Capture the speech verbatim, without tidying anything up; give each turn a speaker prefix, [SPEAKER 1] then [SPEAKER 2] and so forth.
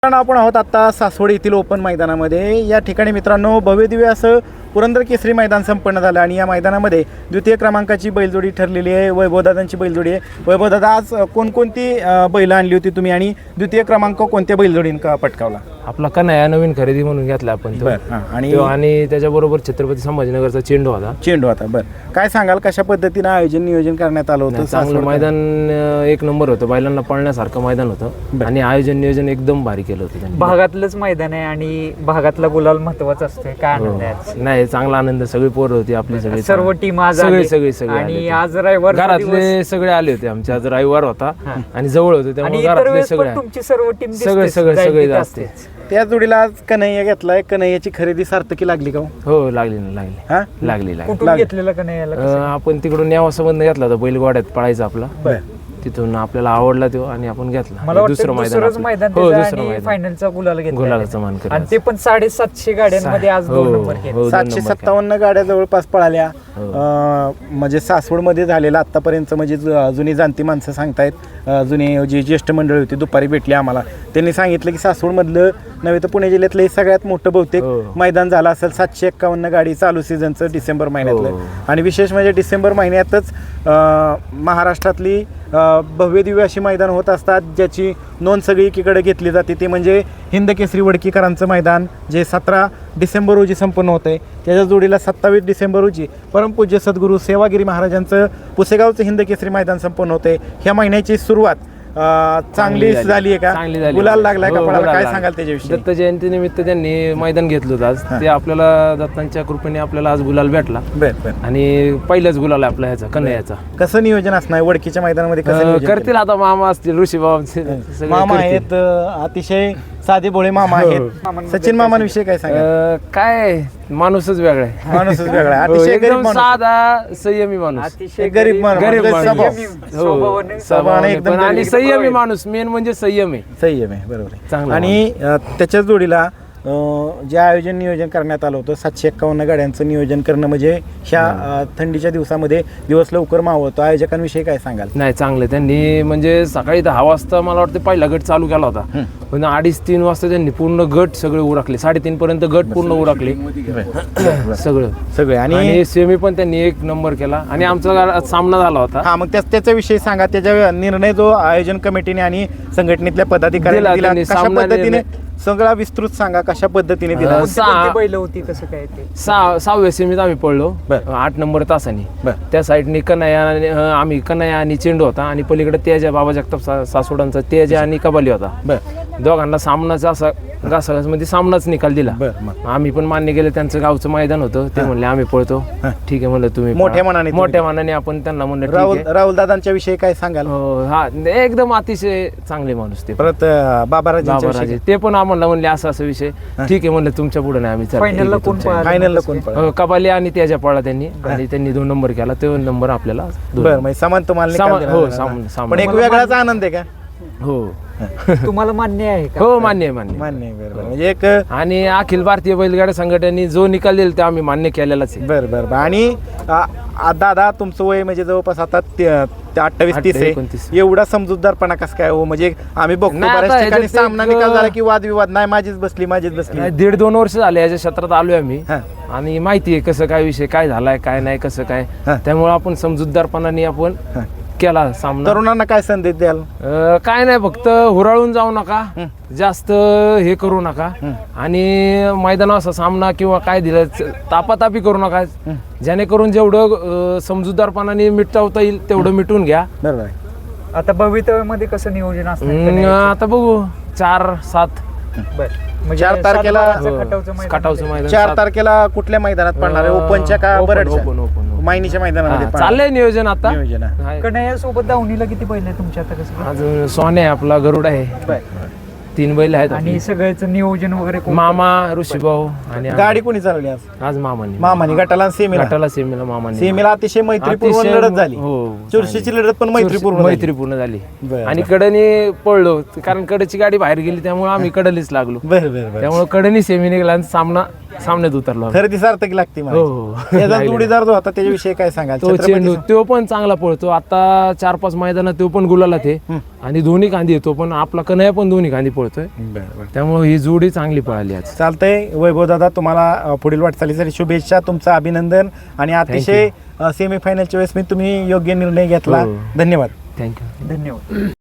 [SPEAKER 1] आपण आहोत आता सासवड येथील ओपन मैदानामध्ये। या ठिकाणी मित्रांनो भव्यदिव्य असं पुरंदर केसरी मैदान संपन्न झालं आणि या मैदानामध्ये द्वितीय क्रमांकाची बैलजोडी ठरलेली आहे, वैभवदादांची बैलजोडी आहे। वैभवदादा, आज कोणकोणती बैल आणली होती तुम्ही आणि द्वितीय क्रमांक कोणत्या बैलजोडीने पटकावला?
[SPEAKER 2] आपला कन्हैया नवीन खरेदी म्हणून घेतला आपण तो। आणि आणि त्याच्याबरोबर छत्रपती संभाजीनगरचा चेंडू होता
[SPEAKER 1] चेंडू होता बरं, काय सांगाल कशा पद्धतीने आयोजन नियोजन करण्यात आलं होतं?
[SPEAKER 2] चांगलं मैदान एक नंबर होतं, बैलांना पळण्यासारखं मैदान होतं आणि आयोजन नियोजन एकदम भारी केलं होतं त्यांनी।
[SPEAKER 3] भागातलंच मैदान आहे आणि भागातला गुलाल महत्वाचा असतोय। काय आनंद आहे?
[SPEAKER 2] नाही, चांगला आनंद, सगळी पोरं होती आपली, सगळी
[SPEAKER 3] सर्व टीम आज
[SPEAKER 2] सगळे सगळे सगळे
[SPEAKER 3] आणि आज रविवार
[SPEAKER 2] घरातले सगळे आले होते आमचे। आज रविवार होता आणि जवळ होते त्यामुळे घरातले सगळे
[SPEAKER 3] तुमची सर्व टीम
[SPEAKER 2] सगळे सगळे सगळे असते।
[SPEAKER 1] त्या जोडीला आज कन्हैया घेतलाय, कन्हैयाची खरेदी सार्थकी लागली का?
[SPEAKER 2] हो लागली ना, लागली
[SPEAKER 1] हा
[SPEAKER 2] लागली लागली
[SPEAKER 3] कुठून घेतलेला का नाही याला?
[SPEAKER 2] आपण तिकडून नेवासंबंध घेतला होता, बैलगाड्यात पळायचा आपला, तिथून आपल्याला आवडला तो आणि आपण घेतला।
[SPEAKER 3] मला
[SPEAKER 2] दुसरं
[SPEAKER 3] मैदान मैदान
[SPEAKER 2] हो दुसरं मैदान
[SPEAKER 3] फायनलचा गुलाल घेतला,
[SPEAKER 2] गुलालाचा मान कर
[SPEAKER 3] आणि ते पण साडेसातशे गाड्यांमध्ये आज दोन नंबर केले।
[SPEAKER 1] सातशे सत्तावन्न गाड्या जवळपास पळाल्या, म्हणजे सासवडमध्ये झालेला आतापर्यंत, म्हणजे जुनी जाणती माणसं सांगतायत, जुनी जी ज्येष्ठ मंडळी होती दुपारी भेटली आम्हाला, त्यांनी सांगितलं की सासवडमधलं नव्हे तर पुणे जिल्ह्यातलं हे सगळ्यात मोठं बहुतेक मैदान झालं असेल। सातशे एक्कावन्न गाडी चालू सीझनचं डिसेंबर महिन्यातलं, आणि विशेष म्हणजे डिसेंबर महिन्यातच महाराष्ट्रातली भव्य दिव्य अशी मैदान होत असतात ज्याची नोंद सगळी एकीकडे घेतली जाते, ते म्हणजे हिंद केसरी वडकीकरांचं मैदान, जे सतरा डिसेंबर रोजी संपन्न होतं आहे। त्याच्या जोडीला सत्तावीस डिसेंबर रोजी परमपूज्य सद्गुरू सेवागिरी महाराजांचं पुसेगावचं हिंद केसरी मैदान संपन्न होतं आहे। ह्या महिन्याची सुरुवात चांगली झाली आहे का? गुलाल लागलाय का पळाला? काय सांगाल त्याच्याविषयी?
[SPEAKER 2] दत्त जयंती निमित्त त्यांनी मैदान घेतलं होतं आज, ते आपल्याला दत्तांच्या कृपेने आपल्याला आज गुलाल भेटला आणि पहिलाच गुलाल आहे आपला ह्याचा कन्हैयाचा।
[SPEAKER 1] कसं नियोजन असणार वडकीच्या मैदानामध्ये? कसं
[SPEAKER 2] करतील आता मामा असतील, ऋषी बाबांचे
[SPEAKER 1] मामा आहेत, अतिशय साधे भोळे मामा आहेत। सचिन मामांविषयी काय सांगा?
[SPEAKER 2] काय माणूसच वेगळा आहे,
[SPEAKER 1] माणूसच वेगळा आहे, अतिशय
[SPEAKER 2] एकदम साधा संयमी माणूस,
[SPEAKER 3] अतिशय
[SPEAKER 1] गरीब
[SPEAKER 2] गरीब
[SPEAKER 1] स्वभावाने एकदम
[SPEAKER 2] आणि संयमी माणूस, मेन म्हणजे संयम आहे,
[SPEAKER 1] संयम आहे, बरोबर आहे।
[SPEAKER 2] चांगला
[SPEAKER 1] आणि त्याच्याच जोडीला जे आयोजन नियोजन करण्यात आलं होतं, सातशे एक्कावन्न गाड्यांचं नियोजन करणं म्हणजे ह्या थंडीच्या दिवसामध्ये दिवस लवकर मावळतो, आयोजकांविषयी काय सांगाल?
[SPEAKER 2] नाही, चांगलं त्यांनी, म्हणजे सकाळी दहा वाजता मला वाटतं पहिला गट चालू केला होता, पण अडीच तीन वाजता त्यांनी पूर्ण गट सगळे उरकले, साडेतीन पर्यंत गट पूर्ण उरकले सगळं सगळे, आणि सेमी पण त्यांनी एक नंबर केला आणि आमचा सामना झाला होता।
[SPEAKER 1] हा, मग त्याच्याविषयी सांगा, त्याच्या निर्णय जो आयोजन कमिटीने आणि संघटनेतल्या पदाधिकाऱ्यांनी दिला, कशा पद्धतीने सगळा विस्तृत सांगा, कशा पद्धतीने दिला?
[SPEAKER 3] बैल होती कसं काय? ते
[SPEAKER 2] सहा सहाव्या सेमीत आम्ही पडलो आठ नंबर तासाने, त्या साईडने कन्हैया, आम्ही कन्हैया आणि चेंडू होता आणि पलीकडे तेजा बाबा जगताप सासवडांचा तेजा आणि कबाली होता, दोघांना सामनाचा असा घासाघासमध्ये सामनाच निकाल दिला। आम्ही पण मान्य केलं, त्यांचं गावचं मैदान होतं, ते म्हणले आम्ही पळतो, ठीक आहे म्हणलं तुम्ही
[SPEAKER 1] मोठ्या मनाने
[SPEAKER 2] मोठ्या मनाने आपण त्यांना म्हणलं
[SPEAKER 1] राहुल राहुल दादांच्या विषयी काय सांगाल?
[SPEAKER 2] हा, एकदम अतिशय चांगले माणूस ते।
[SPEAKER 1] परत बाबाराजे
[SPEAKER 2] ते पण आम्हाला म्हणले असं असं विषय, ठीक आहे म्हणलं तुमच्या पुढे नाही आम्ही,
[SPEAKER 3] फायनलला कोण
[SPEAKER 1] फायनलला कोण
[SPEAKER 2] कबाली आणि त्याच्या पळा त्यांनी, आणि त्यांनी दोन नंबर केला, तो नंबर आपल्याला
[SPEAKER 1] बरं समान तुम्हाला
[SPEAKER 2] हो सामान,
[SPEAKER 1] पण एक वेगळाच आनंद आहे का?
[SPEAKER 2] हो
[SPEAKER 3] तुम्हाला मान्य आहे का?
[SPEAKER 2] हो मान्य आहे, मान्य
[SPEAKER 1] मान्य आहे, बरोबर, म्हणजे एक
[SPEAKER 2] आणि अखिल भारतीय बैलगाडा संघटनेने जो निकाल दिला ते आम्ही मान्य केलेलाच आहे।
[SPEAKER 1] बरं बरं आणि दादा तुमचं वय म्हणजे जवळपास आता अठ्ठावीस तीस आहे, एवढा समजूतदारपणा कसं काय हो? म्हणजे आम्ही बघतो बऱ्याच ठिकाणी सामना निकाल झाला की वादविवाद, नाही माझीच बसली माझीच बसली,
[SPEAKER 2] दीड दोन वर्ष झाले याच्या क्षेत्रात आलोय आम्ही आणि माहिती आहे कसं काय विषय, काय झालाय काय नाही कसं काय, त्यामुळे आपण समजूतदारपणाने आपण केला सामना।
[SPEAKER 1] तरुणांना काय संदेश द्याल?
[SPEAKER 2] काय नाही, फक्त हुराळून जाऊ नका, जास्त हे करू नका, आणि मैदानावर असा सामना किंवा काय दिलं तापातापी करू नका, जेणेकरून जेवढं समजूतदारपणाने मिटवता येईल तेवढं मिटून घ्या।
[SPEAKER 1] बरोबर।
[SPEAKER 3] आता भवितव्यामध्ये कसं नियोजन असतं?
[SPEAKER 2] आता बघू चार सात
[SPEAKER 1] चार तारखेला
[SPEAKER 2] खटावचं मैदान,
[SPEAKER 1] चार तारखेला कुठल्या मैदानात पडणार आहे? ओपनच्या का बरडच्या मायनीच्या मैदानामध्ये
[SPEAKER 2] चाललंय नियोजन आता।
[SPEAKER 3] कन्हैया सोबत दावणीला किती बैल आहे तुमच्या आता? कसं
[SPEAKER 2] अजून सोने आहे आपला, गरुड आहे, तीन बैल आहेत
[SPEAKER 3] आणि सगळ्याचं नियोजन वगैरे
[SPEAKER 2] मामा, ऋषीभाऊ आणि
[SPEAKER 1] गाडी कोणी चालवली आज?
[SPEAKER 2] आज मामानी
[SPEAKER 1] मामानी गटाला सेमीला
[SPEAKER 2] गटाला सेमीला मामानी
[SPEAKER 1] सेमीला अतिशय मैत्रीपूर्ण लढत झाली, चुरशीची लढत पण मैत्रीपूर्ण
[SPEAKER 2] मैत्रीपूर्ण झाली आणि कडनी पळलो, कारण कडची गाडी बाहेर गेली त्यामुळे आम्ही कडलीच लागलो,
[SPEAKER 1] बरं बरं,
[SPEAKER 2] त्यामुळे कडनी सेमी निघाला, सामना सामन्यात उतरलो आम्ही.
[SPEAKER 1] खरेदी सार्थकी लागते मला.
[SPEAKER 2] हो, हो.
[SPEAKER 1] त्याचा
[SPEAKER 2] लागली.
[SPEAKER 1] जोडीदार जो होता त्याच्याविषयी काय सांगाल?
[SPEAKER 2] तो
[SPEAKER 1] छत्रपती
[SPEAKER 2] चेंडू तो पण चांगला पळतो आता चार पाच मैदानात तो पण गुलाला ते आणि दोन्ही खांदी येतो पण आपला कन्हैया पण दोन्ही खांदी पळतोय त्यामुळे ही जोडी चांगली पळाली आज.
[SPEAKER 1] चालतंय वैभव दादा, तुम्हाला अ, पुढील वाटचालीसाठी शुभेच्छा, तुमचं अभिनंदन आणि अतिशय सेमीफायनलच्या वेळेस मी तुम्ही योग्य निर्णय घेतला.
[SPEAKER 2] हो.
[SPEAKER 1] धन्यवाद.
[SPEAKER 2] थँक्यू.
[SPEAKER 3] धन्यवाद.